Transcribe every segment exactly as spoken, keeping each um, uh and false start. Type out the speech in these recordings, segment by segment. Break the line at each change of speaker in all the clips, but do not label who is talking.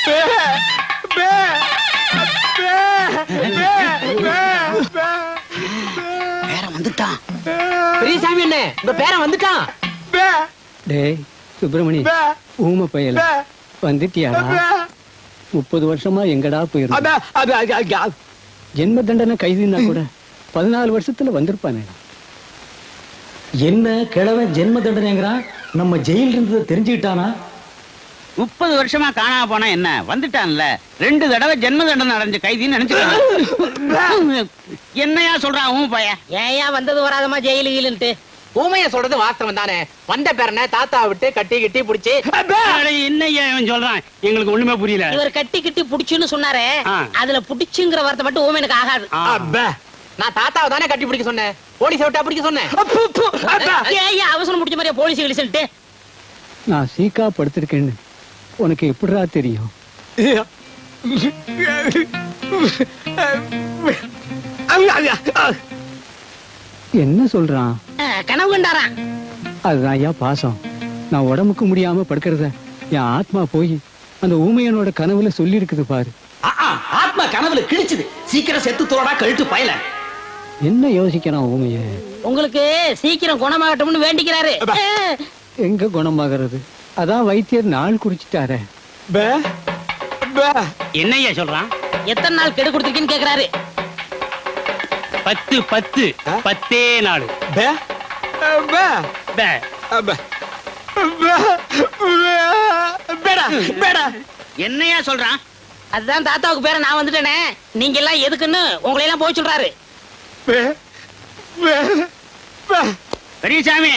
பேரன் வந்துட்டான். பெரியசாமி என்ன உங்க பேரன் வந்துட்டான்.
டேய் சுப்பிரமணி, ஊமை பயல வந்துட்டியாடா? முப்பது வருஷமா எங்கடா போயிருந்த? ஜென்ம தண்டனை கைதினா கூட பதினாலு வருஷத்துல வந்திருப்பானே.
என்ன கிழவன் ஜென்ம தண்டனைங்கிறான்? நம்ம ஜெயில இருந்ததை தெரிஞ்சுக்கிட்டானா?
முப்பது வருஷமா காணாம போனா என்ன, வந்துட்டான்ல. ரெண்டு தடவை ஜென்ம தண்டனை அடைஞ்ச கைதின்னு நினைச்சுக்க. என்னையா சொல்றான் உன் பையன்?
ஏயா வந்தது வராதமா ஜெயிலு கீழுன்ட்டு? ஊமைய சொல்றது வாஸ்தவம் தானே. வந்த பேரனை தாத்தா விட்டு கட்டி கட்டி புடிச்சு.
என்னையா இவன் சொல்றான்? எங்களுக்கு ஒண்ணுமே புரியல.
இவர் கட்டி கட்டி புடிச்சுன்னு சொன்னாரே, அதுல புடிச்சுங்கிற வார்த்தை மட்டும் ஊமையனுக்கு ஆகாது. நான் தாத்தாவை தானே கட்டி பிடிக்க சொன்னேன், போலீஸ் விட்டா பிடிக்க சொன்னேன். ஏயா அவசரம் பிடிச்ச மாதிரியா போலீஸ் கிழிச்சுட்டு?
நான் சீக்கா படுத்திருக்கேன்னு உனக்கு எப்படிடா தெரியும்? என்ன சொல்றான்?
கனவு கண்டாரான்.
அதுதான் ஐயா பாசம். நான் உடம்புக்கு முடியாம படுக்கிறத என் ஆத்மா போய் அந்த ஊமையனோட கனவுல சொல்லி இருக்குது பாரு.
ஆத்மா கனவுல கிழிச்சுது. சீக்கிரம் செத்து தோடா கழுத்து பயல.
என்ன யோசிக்கிறான் ஊமைய?
உங்களுக்கு சீக்கிரம் குணமாகட்டும்னு வேண்டிக்கிறாரு.
எங்க குணமாகிறது? அதான் வைத்தியர் நாள் குறிச்சிட்டாரே.
என்னையா சொல்றான்?
எத்தனை நாள் கெடு கொடுத்துருக்கீன்னு கேக்குறாரு.
பத்து பத்து பத்தே நாள். என்னையா சொல்றான்?
அதுதான் தாத்தாவுக்கு பேர நான் வந்துட்டேனே, நீங்க எல்லாம் எதுக்குன்னு உங்களை எல்லாம் போய் சொல்றாரு.
பெரியசாமி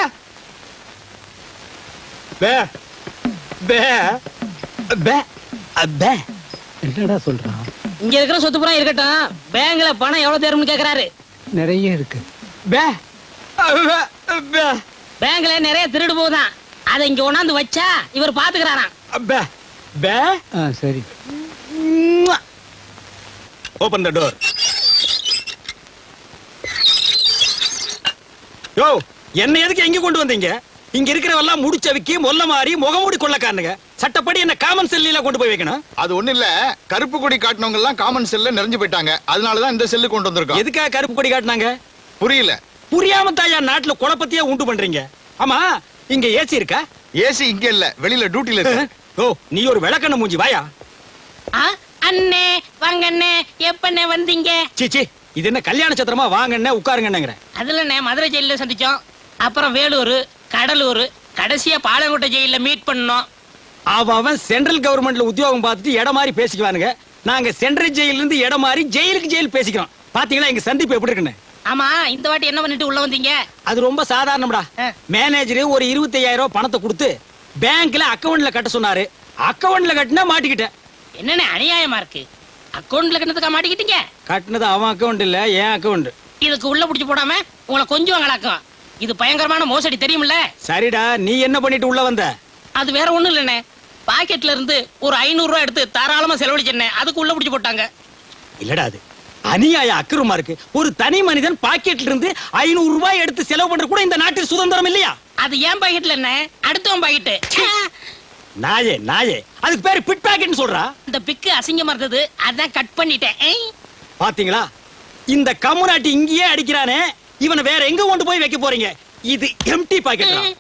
என்னடா சொல்றான்?
இங்க இருக்கிற சொத்து புறம் இருக்கட்டும், பேங்க்ல பணம் எவ்வளவு தேரும்னு கேக்குறாரு.
நிறைய இருக்கு.
பேங்க்ல நிறைய திருடு போகுதான், அதை இங்க கொண்டாந்து வச்சா இவர் பாத்துக்கிறாராம்.
சரி,
ஓபன் த டோர். யோ, என்ன எதுக்கு எங்க கொண்டு வந்தீங்க? இங்க இருக்கிறவெல்லாம் முடிச்சவிக்கி மொல்ல மாறி முகமூடி கொள்ளக்காரனுங்க. சட்டப்படி என்ன காமன் செல்லில கொண்டு போய் வைக்கணும்.
அது ஒண்ணு இல்ல, கருப்பு கொடி காட்டினவங்க எல்லாம் காமன் செல்ல நிறைஞ்சு போயிட்டாங்க. அதனாலதான் இந்த செல்லு கொண்டு வந்திருக்கோம்.
எதுக்காக கருப்பு கொடி காட்டினாங்க?
புரியல.
புரியாம தாயா நாட்டுல குழப்பத்தையே உண்டு பண்றீங்க. ஆமா, இங்க ஏசி இருக்கா?
ஏசி இங்க இல்ல, வெளியில டியூட்டில இருக்கு.
ஓ, நீ ஒரு விளக்கண்ண மூஞ்சி, வாயா.
அண்ணே வாங்க அண்ணே, எப்பண்ணே வந்தீங்க?
சீச்சி, இது என்ன கல்யாண சத்திரமா? வாங்கண்ணே உட்காருங்கன்னுங்கிற.
அதுல மதுரை ஜெயில சந்திச்சோம், அப்புறம் வேலூர், கடலூர், கடைசியா பாலங்கோட்டை ஜெயில மீட் பண்ணோம்.
அவன் சென்ட்ரல் கவர்மெண்ட்ல உத்தியோகம் பார்த்துட்டு இடம் மாதிரி பேசிக்குவானுங்க. நாங்க சென்ட்ரல் ஜெயில இருந்து இடம் மாதிரி ஜெயிலுக்கு ஜெயில் பேசிக்கிறோம். பாத்தீங்களா எங்க சந்திப்பு எப்படி இருக்குன்னு?
ஆமா, இந்த வாட்டி என்ன பண்ணிட்டு உள்ள வந்தீங்க?
அது ரொம்ப சாதாரணம்டா. மேனேஜர் ஒரு இருபத்தி ஐயாயிரம் ரூபாய் பணத்தை கொடுத்து பேங்க்ல அக்கவுண்ட்ல கட்ட சொன்னாரு. அக்கவுண்ட்ல கட்டினா மாட்டிக்கிட்டேன்.
என்னன்னு அநியாயமா இருக்கு. அக்கவுண்ட்ல கட்டினதுக்கா மாட்டிக்கிட்டீங்க?
கட்டினது அவன் அக்கவுண்ட் இல்ல, என் அக்கவுண்ட்.
இதுக்கு உள்ள புடிச்சு போடாம உங்களை கொஞ்சம் கலக்கும். இது பயங்கரமான மோசடி, தெரியுமில்ல?
சரிடா, நீ என்ன பண்ணிட்டு உள்ள வந்த?
அது வேற ஒண்ணும் இல்லண்ணே, பாக்கெட்ல இருந்து ஒரு ஐநூறு ரூபாய் எடுத்து தாராளமா செலவழிச்சேன், அதுக்கு உள்ள புடிச்சு போட்டாங்க.
இல்லடா, அது அநியாய அக்கிரமா இருக்கு. ஒரு தனி மனிதன் பாக்கெட்ல இருந்து ஐநூறு ரூபாய் எடுத்து செலவு பண்ற கூட இந்த நாட்டில் சுதந்திரம் இல்லையா?
அது ஏன் பாக்கெட்ல என்ன, அடுத்தவன் பாக்கெட்.
நாயே நாயே, அதுக்கு பேரு பிட் பாக்கெட்னு சொல்றா.
இந்த பிக்கு அசிங்கமா இருந்தது, அதான் கட் பண்ணிட்டேன்.
பாத்தீங்களா, இந்த கம்முனாட்டி இங்கேயே அடிக்கிறானே, இவனை வேற எங்க கொண்டு போய் வைக்க போறீங்க? இது எம்டி பாக்கெட்.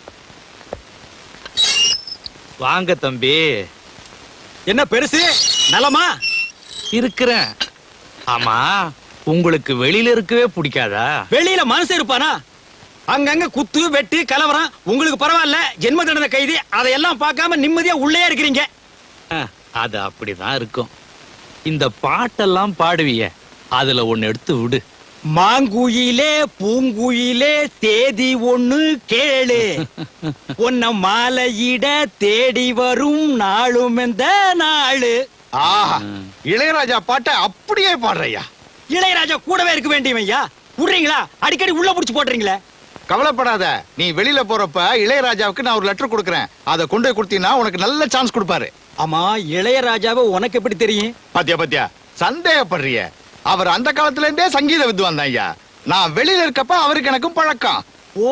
வாங்க தம்பி.
என்ன பெருசு, நலமா
இருக்கிறேன். ஆமா, உங்களுக்கு வெளியில இருக்கவே பிடிக்காதா?
வெளியில மனசு இருப்பானா? அங்கங்க குத்து வெட்டு கலவரம். உங்களுக்கு பரவாயில்ல, ஜென்ம தண்டனை கைதி, அதையெல்லாம் பார்க்காம நிம்மதியா உள்ளே இருக்கிறீங்க.
அது அப்படிதான் இருக்கும். இந்த பாட்டெல்லாம் பாடுவிய, அதுல ஒன்னு எடுத்து விடு.
மாங்குயிலே பூங்குயிலே தேதி ஒண்ணு கேளு, உன்ன மாலையிட தேடி வரும் நாளும் எந்த நாளு.
ஆஹா, இளையராஜா பாட்டை அப்படியே பாடுறையா.
இளையராஜா கூடவே இருக்க வேண்டியவையா? விடுறீங்களா? அடிக்கடி உள்ள புடிச்சு போடுறீங்களே.
கவலைப்படாத, நீ வெளியில போறப்ப இளையராஜாவுக்கு நான் ஒரு லெட்டர் கொடுக்கறேன். அதை கொண்டு போய் கொடுத்தீங்கன்னா உனக்கு நல்ல சான்ஸ் கொடுப்பாரு.
ஆமா, இளையராஜாவை உனக்கு எப்படி தெரியும்?
பாத்தியா பாத்தியா, சந்தேகப்படுறிய. அவர் அந்த காலத்துல இருந்தே சங்கீத வித்வான் தான் ஐயா. நான் வெளியில இருக்கப்ப அவருக்கு எனக்கும் பழக்கம்.
ஓ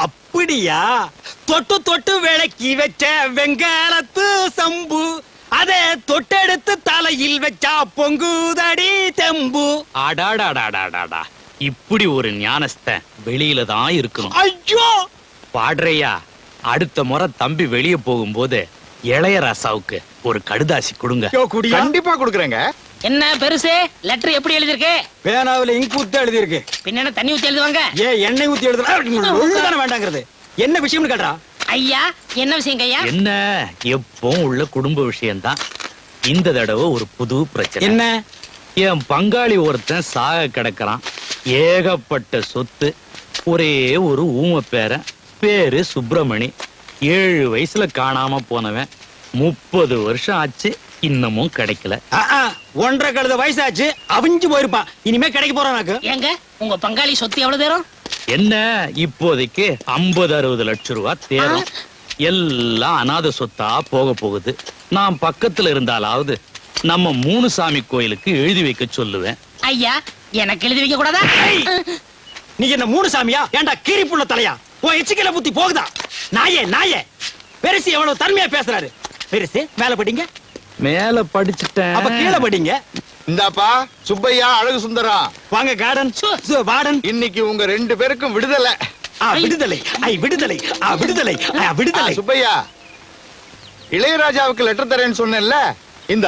அப்படியா? தொட்டு தொட்டு விளக்கி வச்ச வெங்காலத்து சம்பு, அதை தொட்டெடுத்து தலையில் வச்சா பொங்குதடி தெம்பு.
அடாடாடாடாடாடா, இப்படி ஒரு ஞானஸ்தன் வெளியில தான் இருக்கணும்.
ஐயோ
பாடுறையா, அடுத்த முறை தம்பி வெளியே போகும்போது இளையராசாவுக்கு ஒரு கடுதாசி கொடுங்க.
யோ, குடியா?
கண்டிப்பா கொடுக்குறேங்க.
என்ன பெருசு லெட்டர் எப்படி எழுதிருக்கு?
பேனாவில இங்க் ஊத்தி எழுதி இருக்கு.
பின்ன என்ன தண்ணி ஊத்தி எழுதுவாங்க?
ஏ எண்ணெய் ஊத்தி எழுதுனா ஒழுங்கான வேண்டாங்கிறது. என்ன விஷயம்னு கேட்டா?
ஐயா என்ன விஷயங்க ஐயா?
என்ன, எப்பவும் உள்ள குடும்ப விஷயம்தான். இந்த தடவை ஒரு புது பிரச்சனை.
என்ன?
என் பங்காளி ஒருத்தன் சாக கிடக்குறான். ஏகப்பட்ட சொத்து, ஒரே ஒரு ஊம பேரன், பேரு சுப்பிரமணி. ஏழு வயசுல காணாம போனவன். முப்பது வருஷம் ஆச்சு, இன்னமும் கிடைக்கல.
ஆ, ஆ, ஒன்றரை கழுத வயசாச்சு, அவிஞ்சு போயிருப்பான். இனிமே கிடைக்க போறானாக்கு.
ஏங்க உங்க பங்காளி சொத்து எவ்வளவு தேரும்?
என்ன, இப்போதைக்கு ஐம்பது அறுபது லட்சம் ரூபாய் தேரும். எல்லாம் அநாத சொத்தா போக போகுது. நான் பக்கத்துல இருந்தாலாவது நம்ம மூணு சாமி கோயிலுக்கு எழுதி வைக்க சொல்லுவேன்.
ஐயா எனக்கு எழுதி வைக்க கூடாதா?
நீ என்ன மூணு சாமியா? ஏன்டா கீரி புள்ள தலையா? உன் எச்சிக்கல புத்தி போகுதா? நாயே நாயே, பெருசு எவ்வளவு தன்மையா பேசுறாரு. பெருசு மேல படிங்க.
மேல படிச்சுட்டேன்.
அப்ப கீழே படிங்க.
இந்தாப்பா சுப்பையா, அழகு சுந்தரம்,
வாங்க கார்டன் வார்டன்.
இன்னைக்கு உங்க ரெண்டு பேருக்கும் விடுதலை.
ஆ, விடுதலை ஐ விடுதலை ஆ, விடுதலை ஆ,
ஆ,
விடுதலை.
சுப்பையா, இளையராஜாவுக்கு லெட்டர் தரேன்னு சொன்னேன்ல, இந்தா.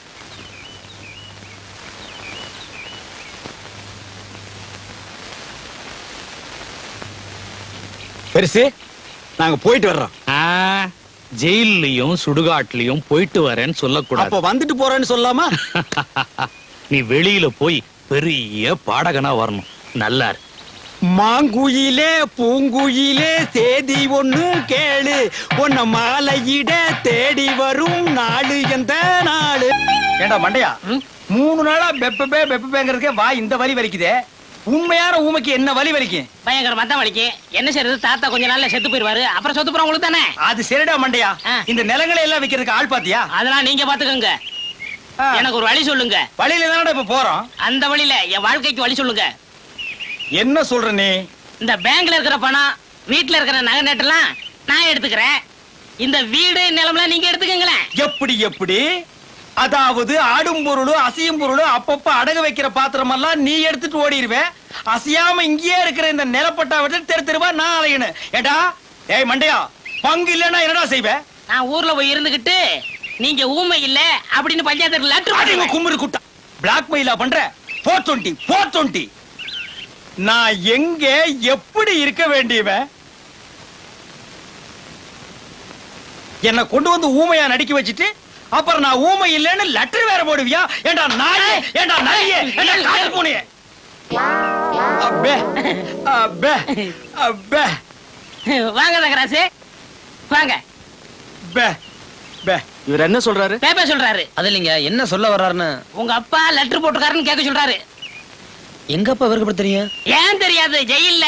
பெருசு நாங்க போயிட்டு வர்றோம்.
ஆ, ஜெயிலையும் சுடுகாட்லயும் போயிட்டு வரேன்னு சொல்லக்கூடாது.
அப்ப வந்துட்டு போறேன்னு சொல்லாமா?
நீ வெளியில போய் பெரிய பாடகனா வரணும். நல்லா இருக்கு.
மாங்குயிலே பூங்குயிலே தேதி ஒண்ணு கேளு, உன்ன மாலையிட தேடி வரும் நாடு எந்த நாடு. ஏண்டா மண்டையா, மூணு நாளா பெப்பபே பெப்பபேங்கிறதுக்கே வா இந்த வலி வலிக்குதே. உண்மையான ஊமைக்கு என்ன வலி வலிக்கும்?
பயங்கரமா தான் வலிக்கு. என்ன செய்யறது, தாத்தா கொஞ்ச நாள்ல செத்து போயிருவாரு. அப்புறம் சொத்து போற உங்களுக்கு தானே.
அது சரிடா மண்டையா,
ஆ.
இந்த நிலங்களை எல்லாம் விக்கிறதுக்கு ஆள் பாத்தியா?
அதெல்லாம் நீங்க பாத்துக்கோங்க.
ஆ.
எனக்கு ஒரு வழி சொல்லுங்க.
வழியில தானடா இப்ப போறோம்.
அந்த வழியில என் வாழ்க்கைக்கு வழி சொல்லுங்க.
என்ன சொல்ற நீ?
இந்த பேங்க்ல இருக்கிற பணம், வீட்டுல இருக்கிற நகை நட்டெல்லாம் நான் எடுத்துக்கிறேன். இந்த வீடு நிலம்லாம் நீங்க எடுத்துக்கங்களேன்.
எப்படி எப்படி? அதாவது ஆடும் பொருளும் அசையும் பொருளும் அப்பப்ப அடகு வைக்கிற பாத்திரம் எல்லாம் நீ எடுத்துட்டு ஓடிடுவேன். அசையாம இங்கேயே இருக்கிற இந்த நிலப்பட்டா விட்டு தெரு தெருவா நான் அலையணும். ஏடா ஏய் மண்டையா, பங்கு இல்லன்னா என்னடா செய்வே?
நான் ஊர்ல போய் இருந்துகிட்டு நீங்க ஊமை இல்ல அப்படின்னு பஞ்சாயத்து லெட்டர்
அடிங்க கும்மிரு குட்டா. பிளாக் மெயிலா பண்ற? Four twenty four twenty. நான் எங்க எப்படி இருக்க வேண்டியவன்? என்ன கொண்டு வந்து ஊமையா நடிக்க வச்சுட்டு அப்புறம் நான் ஊமை இல்லைன்னு லெட்டர் வேற போடுவியா? ஏண்டா நாயே, ஏண்டா நாயே, ஏண்டா காட்டு பூனையே. அப்பே அப்பே அப்பே.
வாங்க தகராசு வாங்க.
பே பே. இவர் என்ன சொல்றாரு?
பேப்பர் சொல்றாரு.
அது இல்லைங்க, என்ன சொல்ல வர்றாருன்னு.
உங்க அப்பா லெட்டர் போட்டுக்காருன்னு கேட்க சொல்றாரு.
எங்க அப்பா இவருக்கு எப்படி தெரியும்?
ஏன் தெரியாது? ஜெயில்ல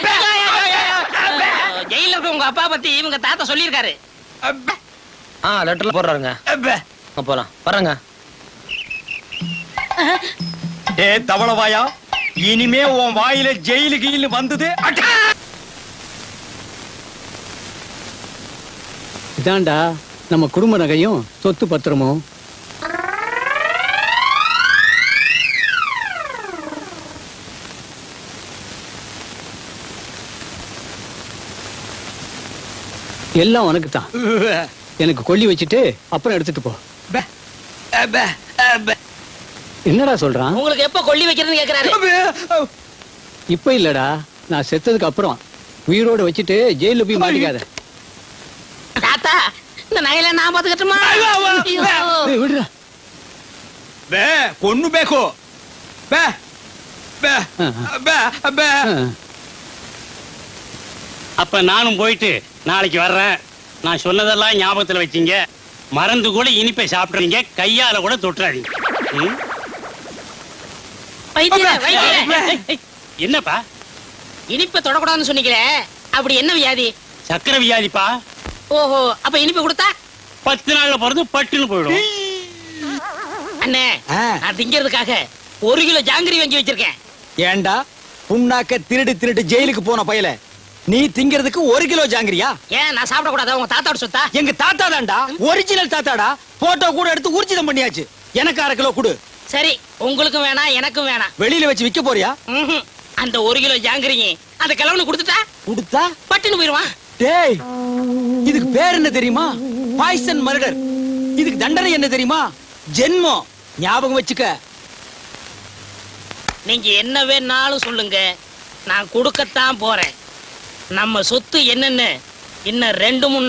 ஜெயில இருக்க உங்க அப்பா பத்தி இவங்க தாத்தா சொல்லியிருக்காரு.
அப்பே
ஆ, லெட்டர்ல போடுறாருங்க.
அப்பே.
போலாம் வர்றேங்க.
ஏ தவளவாயா, இனிமே உன் வாயில ஜெயிலு கீழு வந்தது.
இதாண்டா நம்ம குடும்ப நகையும் சொத்து பத்திரமும். எல்லாம் உனக்கு தான். எனக்கு கொல்லி வச்சுட்டு அப்புறம் எடுத்துட்டு போ. என்னடா சொல்றான்?
உங்களுக்கு எப்ப கொல்லி வைக்கிறதுன்னு கேக்குறாரு.
இப்ப இல்லடா, நான் செத்ததுக்கு அப்புறம் உயிரோட வச்சுட்டு ஜெயில போய் மாட்டிக்காத.
தாத்தா இந்த நகையில நான் பாத்துக்கட்டுமா?
ஏய், விடுடா.
பே பொண்ணு பேக்கோ. பே பே பே பே.
அப்ப நானும் போயிட்டு நாளைக்கு வர்றேன். நான் சொன்னதெல்லாம் ஞாபகத்துல வச்சீங்க. மறந்து கூட இனிப்பை சாப்பிடுறீங்க, கையால கூட தொட்டுறாதீங்க. ம்?
வைத்தியரே, வைத்தியரே.
என்னப்பா?
இனிப்பை தொடக்கூடாதுன்னு சொன்னீங்களே, அப்படி என்ன வியாதி?
சக்கரை வியாதிப்பா.
ஓஹோ, அப்ப இனிப்பு கொடுத்தா
பத்து நாள்ல பிறந்து பட்டுன்னு போயிடும்.
அண்ணே, நான் திங்கிறதுக்காக ஒரு கிலோ ஜாங்கிரி வாங்கி வச்சிருக்கேன்.
ஏண்டா புண்ணாக்க திருடு திருடு ஜெயிலுக்கு போன பயல, நீ திங்கிறதுக்கு ஒரு கிலோ ஜாங்கிரியா?
ஏன் நான் சாப்பிட கூடாதா? உங்க தாத்தாவோட சொத்தா?
எங்க தாத்தா தான்டா, ஒரிஜினல் தாத்தாடா. போட்டோ கூட எடுத்து ஊர்ஜிதம் பண்ணியாச்சு. எனக்கு அரை கிலோ கொடு.
சரி, உங்களுக்கும் வேணாம் எனக்கும் வேணாம்.
வெளியில வச்சு விக்க போறியா?
ம்ஹும். அந்த ஒரு கிலோ ஜாங்கிரிங்க அந்த கிழவனு கொடுத்துட்டா
கொடுத்தா
பட்டுன்னு போயிருவான்.
டேய், இதுக்கு பேர் என்ன தெரியுமா? Poison murder. இதுக்கு தண்டனை என்ன தெரியுமா? ஜென்மம். ஞாபகம் வச்சுக்க.
நீங்க என்ன வேணாலும் சொல்லுங்க, நான் கொடுக்கத்தான் போறேன். நம்ம சொத்து என்னன்னு இன்னும் ரெண்டு மூணு